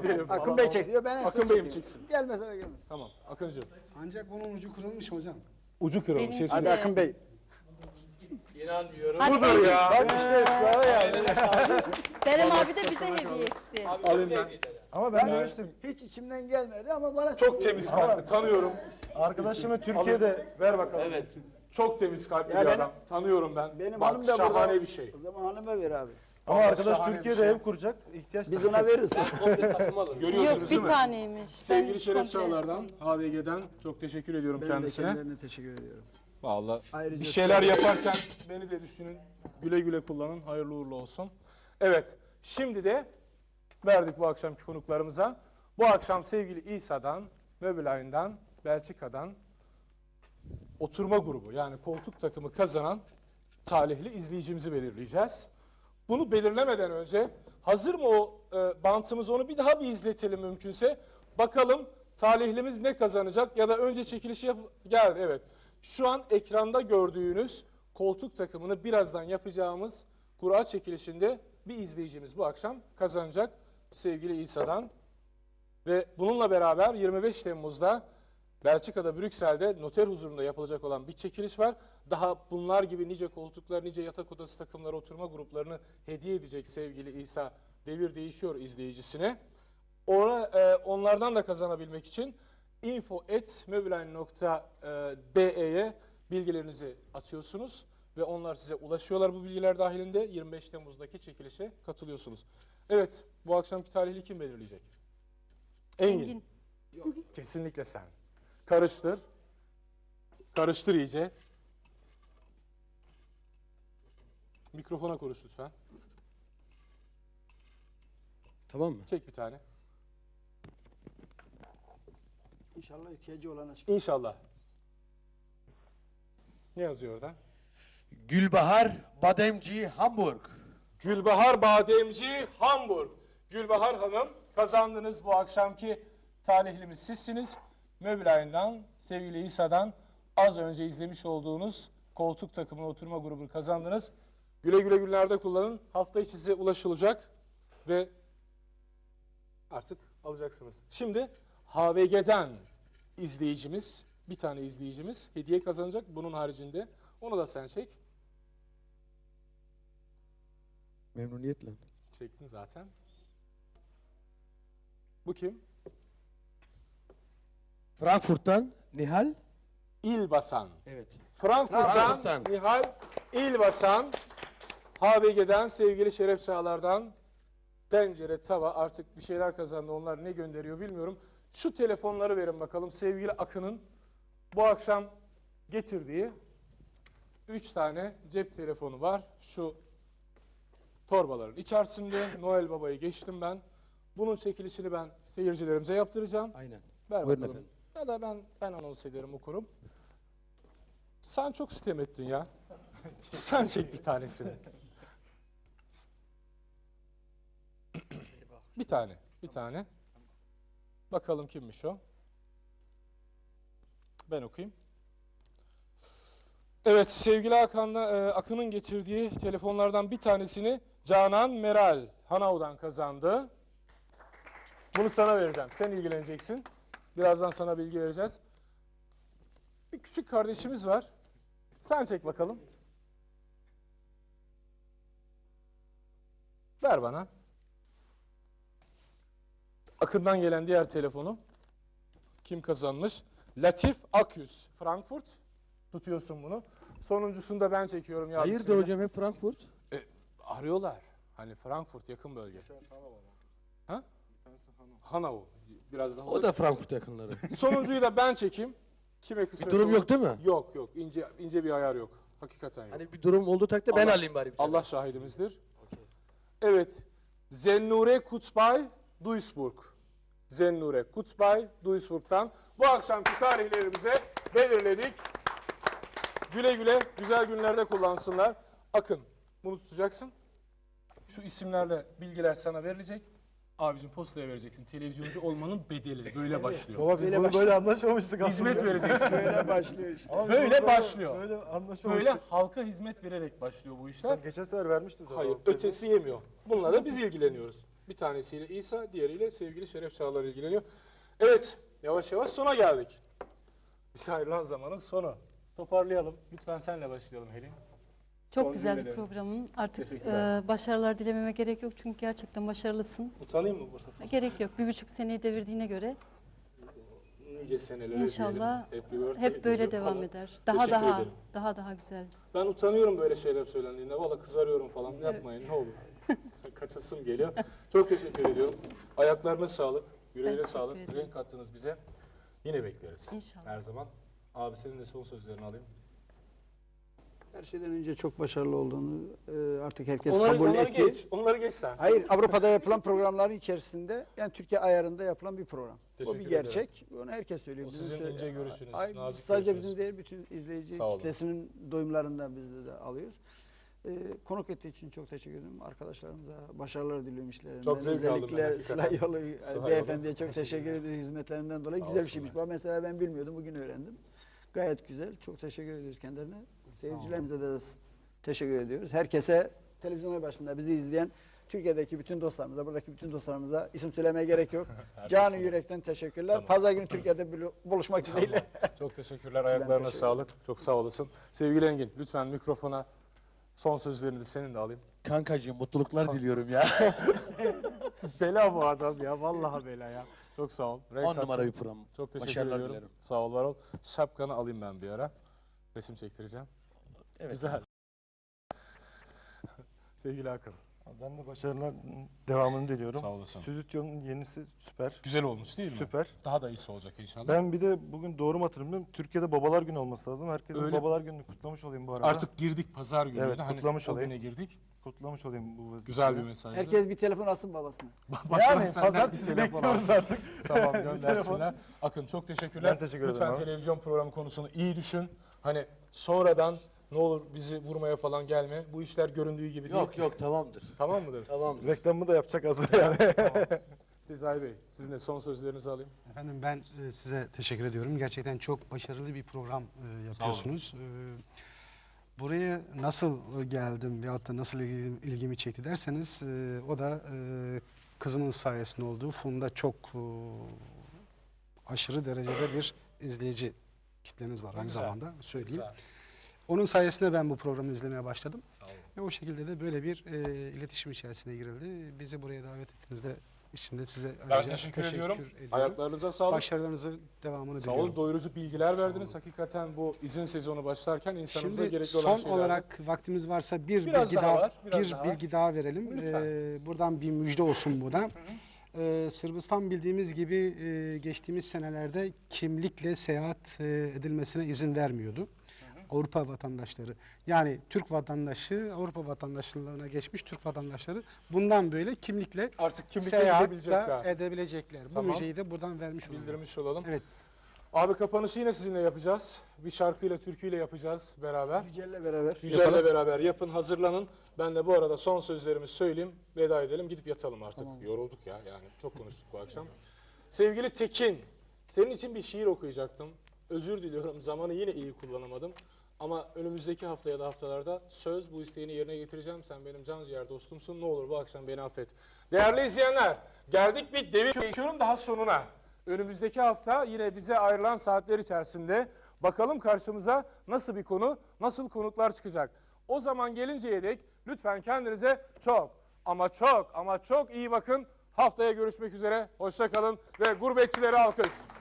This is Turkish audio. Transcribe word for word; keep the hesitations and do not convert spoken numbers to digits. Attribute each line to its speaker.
Speaker 1: gidelim.
Speaker 2: Akın Bey çeksin. Yok, ben
Speaker 1: Akın Bey mi çeksin?
Speaker 2: Gelmese gelmez.
Speaker 1: Tamam Akıncığım.
Speaker 3: Ancak bunun ucu kırılmış hocam.
Speaker 1: Ucu kırılmış.
Speaker 4: Benim-
Speaker 1: hepsi.
Speaker 2: Hadi Akın Bey.
Speaker 5: İnanmıyorum.
Speaker 4: Hadi
Speaker 1: Budur
Speaker 4: Engin.
Speaker 1: ya.
Speaker 2: Bak işte ısrara yani.
Speaker 4: Berem
Speaker 1: Vallahi
Speaker 4: abi de bize
Speaker 1: kısasına
Speaker 4: hediye
Speaker 1: kaldı.
Speaker 4: etti.
Speaker 1: Alayım ben.
Speaker 3: Ama ben
Speaker 2: Ben
Speaker 3: demiştim.
Speaker 2: hiç içimden gelmedi ama bana
Speaker 1: Çok temiz kalpli tanıyorum.
Speaker 3: Arkadaşımı Türkiye'de
Speaker 1: Ver bakalım.
Speaker 5: Evet.
Speaker 1: Çok temiz kalpli
Speaker 2: Ya
Speaker 1: bir
Speaker 2: benim-
Speaker 1: adam. Tanıyorum ben.
Speaker 2: Benim
Speaker 1: Bak,
Speaker 2: hanım da
Speaker 1: şahane
Speaker 2: burada.
Speaker 1: bir şey.
Speaker 2: O zaman hanıma ver abi.
Speaker 3: ama
Speaker 1: Vallahi
Speaker 3: arkadaş
Speaker 1: şahane bir
Speaker 3: Türkiye'de
Speaker 1: şey.
Speaker 3: ev kuracak. İhtiyaç
Speaker 2: Biz ona veririz.
Speaker 5: Komple takım alın.
Speaker 1: Görüyorsunuz
Speaker 4: Yok
Speaker 1: değil
Speaker 4: bir
Speaker 1: mi?
Speaker 4: taneymiş.
Speaker 1: Sevgili
Speaker 4: Ben
Speaker 1: Şeref
Speaker 4: komple-
Speaker 1: Çağlar'dan, H V G'den çok teşekkür ediyorum
Speaker 2: Ben de
Speaker 1: kendisine.
Speaker 2: kendilerine teşekkür ediyorum.
Speaker 1: Vallahi
Speaker 2: Ayrıca
Speaker 1: bir şeyler
Speaker 2: size-
Speaker 1: yaparken beni de düşünün. Güle güle kullanın. Hayırlı uğurlu olsun. Evet. Şimdi de verdik bu akşamki konuklarımıza. Bu akşam sevgili İsa'dan, Möbilay'dan, Belçika'dan oturma grubu yani koltuk takımı kazanan talihli izleyicimizi belirleyeceğiz. Bunu belirlemeden önce hazır mı o e, bantımız, onu bir daha bir izletelim mümkünse. Bakalım talihlimiz ne kazanacak ya da önce çekilişi yap geldi evet. Şu an ekranda gördüğünüz koltuk takımını birazdan yapacağımız kura çekilişinde bir izleyicimiz bu akşam kazanacak sevgili İsa'dan. Ve bununla beraber yirmi beş Temmuz'da Belçika'da Brüksel'de noter huzurunda yapılacak olan bir çekiliş var. Daha bunlar gibi nice koltuklar, nice yatak odası takımları, oturma gruplarını hediye edecek sevgili İsa Devir Değişiyor izleyicisine. Ona, e, onlardan da kazanabilmek için info at mobiline nokta be'ye bilgilerinizi atıyorsunuz ve onlar size ulaşıyorlar bu bilgiler dahilinde. yirmi beş Temmuz'daki çekilişe katılıyorsunuz. Evet, bu akşamki talihli kim belirleyecek? Engin.
Speaker 4: Engin.
Speaker 1: Yok, kesinlikle sen. Karıştır. Karıştır iyice. Mikrofona konuş lütfen.
Speaker 5: Tamam mı?
Speaker 1: Çek bir tane.
Speaker 2: İnşallah ihtiyacı olana çıkar.
Speaker 1: İnşallah. Ne yazıyor orada?
Speaker 5: Gülbahar Bademci Hamburg.
Speaker 1: Gülbahar Bademci Hamburg. Gülbahar Hanım, kazandınız bu akşamki talihlimiz sizsiniz. Möbilay'dan, sevgili İsa'dan az önce izlemiş olduğunuz koltuk takımı oturma grubunu kazandınız. Güle güle günlerde kullanın. Hafta içi size ulaşılacak ve artık alacaksınız. Şimdi H V G'den izleyicimiz, bir tane izleyicimiz hediye kazanacak. Bunun haricinde onu da sen çek.
Speaker 5: Memnuniyetle.
Speaker 1: Çektin zaten. Bu kim?
Speaker 5: Frankfurt'tan Nihal.
Speaker 1: İlbasan.
Speaker 5: Evet.
Speaker 1: Frankfurt'tan
Speaker 5: Frankfurt'tan.
Speaker 1: Nihal İlbasan. H V G'den sevgili Şeref Çağlar'dan pencere, tava, artık bir şeyler kazandı. Onlar ne gönderiyor bilmiyorum. Şu telefonları verin bakalım. Sevgili Akın'ın bu akşam getirdiği üç tane cep telefonu var. Şu torbaların içerisinde. Noel Baba'yı geçtim ben. Bunun çekilişini ben seyircilerimize yaptıracağım.
Speaker 5: Aynen.
Speaker 1: Ver
Speaker 5: Buyurun
Speaker 1: bakalım.
Speaker 5: efendim.
Speaker 1: Ya da ben ben anons ederim, okurum. Sen çok sitem ettin ya. Sen çek bir tanesini. Bir tane, bir tane. Bakalım kimmiş o? Ben okuyayım. Evet, sevgili Hakan'la e, Akın'ın getirdiği telefonlardan bir tanesini Canan Meral Hanav'dan kazandı. Bunu sana vereceğim. Sen ilgileneceksin. Birazdan sana bilgi vereceğiz. Bir küçük kardeşimiz var. Sen çek bakalım. Ver bana. Akın'dan gelen diğer telefonu. Kim kazanmış? Latif Akyüz. Frankfurt. Tutuyorsun bunu. Sonuncusunu da ben çekiyorum.
Speaker 5: Hayırdır
Speaker 1: yardımcısıyla.
Speaker 5: hocam hep Frankfurt?
Speaker 1: E, arıyorlar. Hani Frankfurt yakın bölge. Ha? Hanau. Biraz daha
Speaker 5: O da Frankfurt yakınları.
Speaker 1: Sonuncuyu da ben çekeyim. Kime kısmet
Speaker 5: Bir durum
Speaker 1: olur?
Speaker 5: yok değil mi?
Speaker 1: Yok yok. İnce ince bir ayar yok. Hakikaten yok.
Speaker 5: Hani bir durum olduğu takdirde ben
Speaker 1: Allah-
Speaker 5: alayım bari bir tane.
Speaker 1: Allah şahidimizdir. Evet. Zennure Kutbay Duisburg. Zennure Kutbay Duisburg'dan bu akşamki tarihlerimizi belirledik. Güle güle güzel günlerde kullansınlar. Akın, bunu tutacaksın. Şu isimlerle bilgiler sana verilecek. Abicim postaya vereceksin. Televizyoncu olmanın bedeli. Böyle başlıyor.
Speaker 3: Baba biz
Speaker 2: Böyle
Speaker 3: bunu
Speaker 2: başla-
Speaker 3: böyle anlaşmamıştık aslında.
Speaker 1: Hizmet vereceksin.
Speaker 2: Böyle başlıyor işte.
Speaker 3: Ama biz
Speaker 1: Böyle
Speaker 3: bunu
Speaker 1: başlıyor.
Speaker 3: Böyle
Speaker 1: Böyle
Speaker 3: anlaşmamıştık.
Speaker 1: halka hizmet vererek başlıyor bu işler.
Speaker 3: Geçen sefer vermiştim sana.
Speaker 1: Hayır,
Speaker 3: o-
Speaker 1: ötesi yemiyor. Bununla da biz ilgileniyoruz. Bir tanesiyle İsa, diğeriyle sevgili Şeref Çağlar ilgileniyor. Evet, yavaş yavaş sona geldik. Bize ayrılan zamanın sonu. Toparlayalım. Lütfen senle başlayalım Helin.
Speaker 4: Çok
Speaker 1: Son
Speaker 4: güzel bir
Speaker 1: cümleleri.
Speaker 4: programın. Artık
Speaker 1: Teşekkürler.
Speaker 4: e, başarılar dilememe gerek yok çünkü gerçekten başarılısın.
Speaker 1: Utanayım mı bu sefer?
Speaker 4: Gerek yok. Bir buçuk seneyi devirdiğine göre
Speaker 1: Nice senelere
Speaker 4: İnşallah
Speaker 1: diyelim. Happy birthday
Speaker 4: hep böyle
Speaker 1: diyelim
Speaker 4: devam
Speaker 1: falan.
Speaker 4: eder. Daha
Speaker 1: Teşekkür
Speaker 4: daha
Speaker 1: ederim.
Speaker 4: daha daha güzel.
Speaker 1: Ben utanıyorum böyle şeyler söylendiğinde. Valla kızarıyorum falan. Yapmayın ne olur. Kaçasım geliyor. Çok teşekkür ediyorum. Ayaklarına sağlık. Yüreğine
Speaker 4: teşekkür
Speaker 1: sağlık.
Speaker 4: ederim.
Speaker 1: Renk kattınız bize. Yine bekleriz.
Speaker 4: İnşallah.
Speaker 1: Her zaman. Abi senin de son sözlerini alayım.
Speaker 2: Her şeyden önce çok başarılı olduğunu e, artık herkes
Speaker 1: Onları,
Speaker 2: kabul
Speaker 1: onları
Speaker 2: etti.
Speaker 1: geç. Onları geç sen.
Speaker 2: Hayır, Avrupa'da yapılan programların içerisinde yani Türkiye ayarında yapılan bir program. O
Speaker 1: Teşekkür
Speaker 2: bir
Speaker 1: ederim.
Speaker 2: gerçek. Onu herkes söylüyor.
Speaker 1: O
Speaker 2: Bizim
Speaker 1: sizin
Speaker 2: söyle-
Speaker 1: ince görüşünüz,
Speaker 2: Ay,
Speaker 1: nazik
Speaker 2: sadece
Speaker 1: görüşünüz.
Speaker 2: bizim değil, bütün izleyici
Speaker 1: Sağ olun.
Speaker 2: kitlesinin doyumlarından biz de alıyoruz. Ee, konuk ettiği için çok teşekkür ederim. Arkadaşlarımıza başarılar diliyorum işlerinden.
Speaker 1: Çok zevk aldım ben
Speaker 2: Özellikle
Speaker 1: hakikaten.
Speaker 2: Sıla Yolu
Speaker 1: Sıla Yolu.
Speaker 2: beyefendiye çok teşekkür ederim hizmetlerinden dolayı.
Speaker 1: Sağ
Speaker 2: Güzel bir
Speaker 1: olsunlar.
Speaker 2: şeymiş. Bu mesela ben bilmiyordum, bugün öğrendim. Gayet güzel. Çok teşekkür ediyoruz kendilerine. Seyircilerimize de teşekkür ediyoruz. Herkese televizyonlar başında bizi izleyen Türkiye'deki bütün dostlarımıza, buradaki bütün dostlarımıza isim söylemeye gerek yok. Canı yürekten teşekkürler.
Speaker 1: Tamam.
Speaker 2: Pazar günü Türkiye'de bulu- buluşmak dileğiyle.
Speaker 1: Çok teşekkürler. Ayaklarına
Speaker 2: teşekkür
Speaker 1: sağlık. Çok sağ olasın. Sevgili Engin, lütfen mikrofona son sözlerini de senin de alayım.
Speaker 5: Kankacığım mutluluklar diliyorum ya.
Speaker 1: Bela bu adam ya. Vallahi bela ya. Çok sağ ol. Renk
Speaker 5: On numara
Speaker 1: kattın.
Speaker 5: bir program.
Speaker 1: Çok teşekkür
Speaker 5: Başarılar
Speaker 1: ediyorum.
Speaker 5: dilerim.
Speaker 1: Sağ ol, var ol. Şapkanı alayım ben bir ara. Resim çektireceğim.
Speaker 5: Evet.
Speaker 1: Güzel. Sevgili Hakan.
Speaker 3: Ben de başarılar devamını diliyorum.
Speaker 1: Sağ olasın.
Speaker 3: Stüdyonun yenisi süper.
Speaker 1: Güzel olmuş değil mi?
Speaker 3: Süper.
Speaker 1: Daha da iyisi olacak inşallah.
Speaker 3: Ben bir de bugün doğru mu hatırlamıyorum. Türkiye'de Babalar Günü olması lazım. Herkesin
Speaker 1: Öyle.
Speaker 3: Babalar Günü'nü kutlamış olayım bu arada.
Speaker 1: Artık girdik pazar gününe.
Speaker 3: Evet,
Speaker 1: hani
Speaker 3: kutlamış
Speaker 1: o
Speaker 3: olayım.
Speaker 1: güne girdik.
Speaker 3: kutlamış olayım bu vazifeyi.
Speaker 1: Güzel bir mesaj.
Speaker 2: Herkes bir telefon alsın babasına.
Speaker 1: Basın
Speaker 3: Yani
Speaker 1: senden bir
Speaker 3: pazartesi
Speaker 1: telefon
Speaker 3: bekliyoruz
Speaker 1: alsın.
Speaker 3: artık.
Speaker 1: Tamam
Speaker 3: Telefon.
Speaker 1: göndersinler. Akın çok teşekkürler.
Speaker 3: Ben teşekkür ederim
Speaker 1: Lütfen
Speaker 3: abi.
Speaker 1: televizyon programı konusunu iyi düşün. Hani sonradan ne olur bizi vurmaya falan gelme. Bu işler göründüğü gibi değil.
Speaker 5: Yok yok tamamdır.
Speaker 1: Tamam mıdır?
Speaker 5: Tamamdır.
Speaker 3: Reklamımı da yapacak hazır yani.
Speaker 1: Sezai Bey, sizin de son sözlerinizi alayım.
Speaker 6: Efendim ben e, size teşekkür ediyorum. Gerçekten çok başarılı bir program e, yapıyorsunuz. E, buraya nasıl e, geldim veyahut da nasıl ilgimi, ilgimi çekti derseniz e, o da e, kızımın sayesinde olduğu Funda çok e, aşırı derecede bir izleyici kitleniz var aynı
Speaker 1: Güzel.
Speaker 6: zamanda söyleyeyim.
Speaker 1: Güzel.
Speaker 6: Onun sayesinde ben bu programı izlemeye başladım.
Speaker 1: Sağ olun.
Speaker 6: Ve o şekilde de böyle bir e, iletişim içerisine girildi. Bizi buraya davet ettiğinizde içinde size
Speaker 1: Ben
Speaker 6: ayrıca
Speaker 1: teşekkür, ediyorum.
Speaker 6: ediyorum.
Speaker 1: Ayaklarınıza sağlık.
Speaker 6: Başarılarınızın devamını
Speaker 1: Sağ
Speaker 6: diliyorum.
Speaker 1: olun, doyurucu bilgiler
Speaker 6: Sağ
Speaker 1: verdiniz. Hakikaten bu izin sezonu başlarken insanımıza
Speaker 6: Şimdi
Speaker 1: gerekli olan
Speaker 6: son
Speaker 1: şeyler.
Speaker 6: olarak vaktimiz varsa bir
Speaker 1: Biraz
Speaker 6: bilgi
Speaker 1: daha
Speaker 6: daha,
Speaker 1: var, biraz
Speaker 6: bir
Speaker 1: daha.
Speaker 6: bilgi daha verelim.
Speaker 1: Lütfen.
Speaker 6: Ee, buradan bir müjde olsun bu da. Ee, Sırbistan bildiğimiz gibi e, geçtiğimiz senelerde kimlikle seyahat e, edilmesine izin vermiyordu. Avrupa vatandaşları, yani Türk vatandaşı Avrupa vatandaşlığına geçmiş Türk vatandaşları bundan böyle kimlikle
Speaker 1: Artık kimlikle
Speaker 6: seyahat da
Speaker 1: gidebilecekler.
Speaker 6: edebilecekler.
Speaker 1: Tamam.
Speaker 6: Bu müjdeyi de buradan vermiş olalım.
Speaker 1: Bildirmiş olalım.
Speaker 6: Evet.
Speaker 1: Abi kapanışı yine sizinle yapacağız. Bir şarkıyla, türküyle yapacağız beraber.
Speaker 2: Yücel'le beraber.
Speaker 1: Yücel'le beraber yapın, hazırlanın. Ben de bu arada son sözlerimi söyleyeyim, veda edelim, gidip yatalım artık. Yorulduk ya, yani çok konuştuk bu akşam. Sevgili Tekin, senin için bir şiir okuyacaktım. Özür diliyorum, zamanı yine iyi kullanamadım. Ama önümüzdeki hafta ya da haftalarda söz bu isteğini yerine getireceğim. Sen benim can ciğer dostumsun, ne olur bu akşam beni affet. Değerli izleyenler, geldik bir devir geçiyorum daha sonuna. Önümüzdeki hafta yine bize ayrılan saatler içerisinde bakalım karşımıza nasıl bir konu, nasıl konuklar çıkacak. O zaman gelinceye dek lütfen kendinize çok ama çok ama çok iyi bakın. Haftaya görüşmek üzere, hoşça kalın ve gurbetçilere alkış.